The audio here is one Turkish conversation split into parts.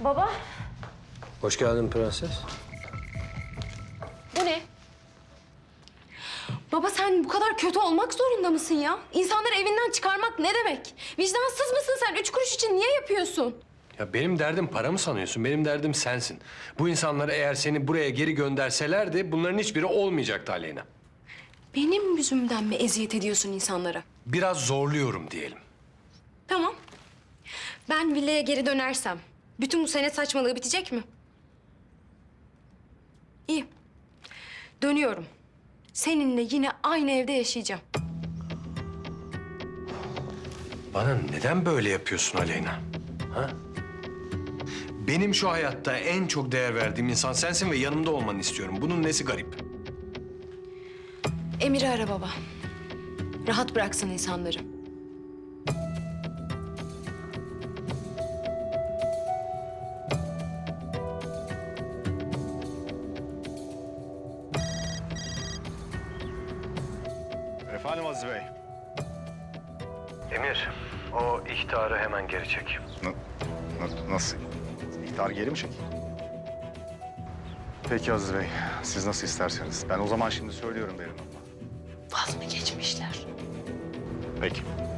Baba, Hoş geldin prenses. bu ne? Baba sen bu kadar kötü olmak zorunda mısın ya? İnsanları evinden çıkarmak ne demek? Vicdansız mısın sen? 3 kuruş için niye yapıyorsun? Ya benim derdim para mı sanıyorsun? Benim derdim sensin. Bu insanlar eğer seni buraya geri gönderselerdi bunların hiçbiri olmayacaktı Aleyna. Benim yüzümden mi eziyet ediyorsun insanlara? Biraz zorluyorum diyelim. Tamam. Ben villaya geri dönersem bütün bu senet saçmalığı bitecek mi? İyi. Dönüyorum. Seninle yine aynı evde yaşayacağım. Bana neden böyle yapıyorsun Aleyna? Ha? Benim şu hayatta en çok değer verdiğim insan sensin ve yanımda olmanı istiyorum. Bunun nesi garip? Emir'i ara baba. Rahat bıraksın insanları. Efendim Aziz Bey. Emir, o ihtarı hemen geri çek. Nasıl? İhtar geri mi çek? Peki Aziz Bey, siz nasıl isterseniz. Ben o zaman şimdi söylüyorum Berin Hanım'a. Vaz mı geçmişler? Peki.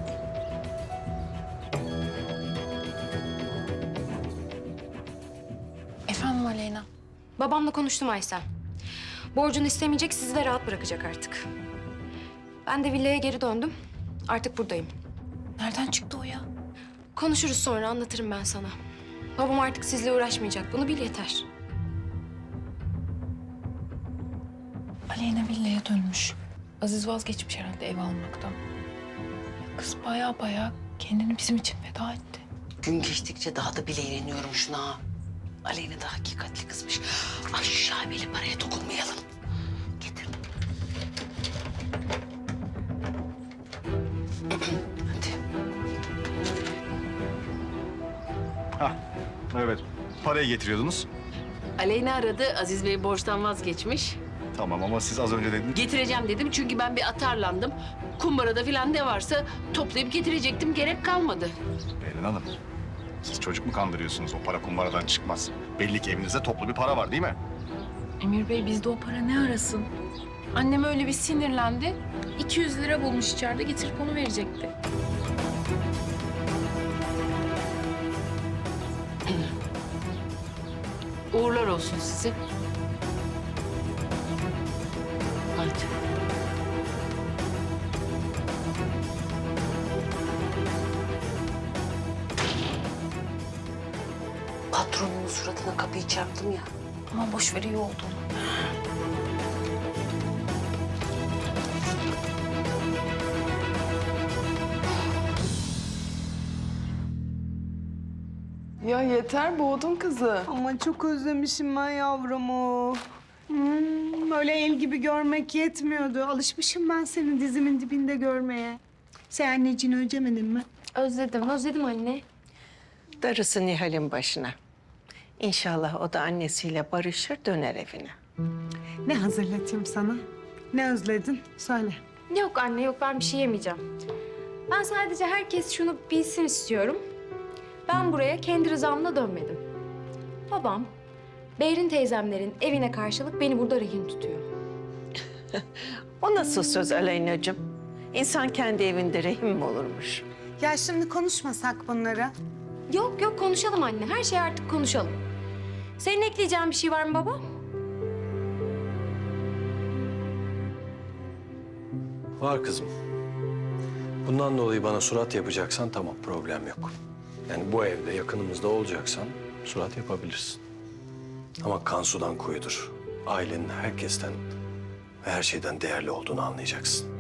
Efendim Aleyna? Babamla konuştum Aysel. Borcunu istemeyecek, sizi de rahat bırakacak artık. Ben de villaya geri döndüm. Artık buradayım. Nereden çıktı o ya? Konuşuruz sonra, anlatırım ben sana. Babam artık sizle uğraşmayacak, bunu bil yeter. Aleyna villaya dönmüş. Aziz vazgeçmiş herhalde ev almaktan. Kız baya kendini bizim için feda etti. Gün geçtikçe daha da bileğleniyorum şuna. Aleyna da hakikatli kızmış. Ay şu şaibeli paraya dokunmayalım. Getir. Hadi. Evet. Parayı getiriyordunuz. Aleyna aradı. Aziz Bey borçtan vazgeçmiş. Tamam ama siz az önce dediniz. Getireceğim dedim çünkü ben bir atarlandım. Kumbarada falan ne varsa toplayıp getirecektim. Gerek kalmadı. Berin Hanım, siz çocuk mu kandırıyorsunuz? O para kumbaradan çıkmaz. Belli ki evinizde toplu bir para var değil mi? Emir Bey bizde o para ne arasın? Annem öyle bir sinirlendi. 200 lira bulmuş içeride getirip onu verecekti. Uğurlar olsun size. Hadi. Patronumun suratına kapıyı çarptım ya. Ama boş ver iyi oldu. Ya yeter boğdun kızı. Ama çok özlemişim ben yavrumu. Öyle el gibi görmek yetmiyordu. Alışmışım ben seni dizimin dibinde görmeye. Sen anneciğini özlemedin mi? Özledim anne. Darısı Nihal'in başına. İnşallah o da annesiyle barışır, döner evine. Ne hazırlatayım sana? Ne özledin? Söyle. Yok anne, yok ben bir şey yemeyeceğim. Ben sadece herkes şunu bilsin istiyorum. Ben buraya kendi rızamla dönmedim. Babam, Behrin teyzemlerin evine karşılık beni burada rehin tutuyor. O nasıl söz Aleyna'cığım? İnsan kendi evinde rehin mi olurmuş? Ya şimdi konuşmasak bunları. Yok konuşalım anne. Her şeyi artık konuşalım. Senin ekleyeceğin bir şey var mı baba? Var kızım. Bundan dolayı bana surat yapacaksan tamam, problem yok. Yani bu evde yakınımızda olacaksan surat yapabilirsin. Ama kan sudan kuyudur. Ailenin herkesten ve her şeyden değerli olduğunu anlayacaksın.